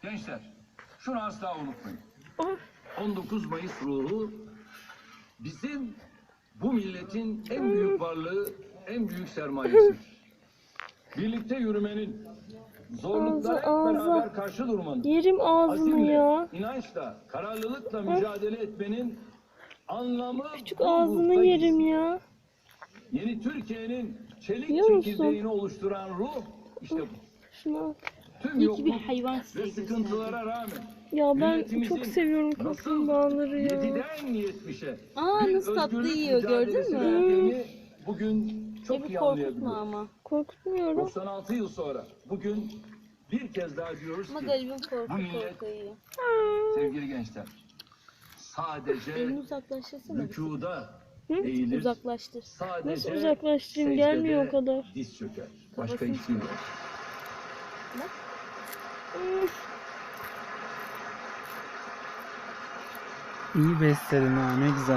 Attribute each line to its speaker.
Speaker 1: Gençler, şunu asla unutmayın.
Speaker 2: Oh.
Speaker 1: 19 Mayıs ruhu bizim bu milletin en büyük varlığı, en büyük sermayesi. Birlikte yürümenin, zorluklara hep
Speaker 2: Ağza.
Speaker 1: beraber karşı durmanın,
Speaker 2: Yerim ağzını
Speaker 1: azimle,
Speaker 2: ya.
Speaker 1: inançla, kararlılıkla mücadele etmenin anlamı
Speaker 2: Küçük
Speaker 1: bu
Speaker 2: ağzını
Speaker 1: ruhta
Speaker 2: yerim
Speaker 1: gizli.
Speaker 2: ya.
Speaker 1: Yeni Türkiye'nin çelik
Speaker 2: Biliyor musun?
Speaker 1: çekirdeğini oluşturan ruh işte bu.
Speaker 2: Şuna.
Speaker 1: Tüm
Speaker 3: İyi ki bir
Speaker 1: yokluk
Speaker 3: hayvan
Speaker 1: ve
Speaker 3: size
Speaker 1: sıkıntılara rağmen
Speaker 2: Ya ben
Speaker 1: milletimizin
Speaker 2: çok seviyorum
Speaker 1: nasıl
Speaker 2: kaplumbağaları ya.
Speaker 1: 7'den 70'e
Speaker 3: Aa,
Speaker 1: bir
Speaker 3: nasıl tatlı
Speaker 1: özgürlük
Speaker 3: yiyor, gördün
Speaker 1: mücadelesi
Speaker 3: mü?
Speaker 1: verdiğini bugün çok
Speaker 3: Evi
Speaker 1: iyi
Speaker 3: korkutma
Speaker 1: anlayabiliyoruz.
Speaker 3: ama.
Speaker 2: Korkutmuyorum.
Speaker 1: 96 yıl sonra bugün bir kez daha diyoruz
Speaker 3: Ama
Speaker 1: ki
Speaker 3: garibim
Speaker 1: bu millet,
Speaker 3: korku yiyor.
Speaker 1: sevgili gençler, sadece
Speaker 3: Elini uzaklaştırsana. bir.
Speaker 1: rükuda
Speaker 2: Hı?
Speaker 1: eğilir,
Speaker 3: Uzaklaştır.
Speaker 1: sadece
Speaker 2: Nasıl uzaklaştırayım?
Speaker 1: secdede
Speaker 2: Gelmiyor o kadar.
Speaker 1: diz çöker. Başka
Speaker 3: Kafasını
Speaker 1: hiçbir şey yok.
Speaker 4: İyi besledin ha, ne güzel.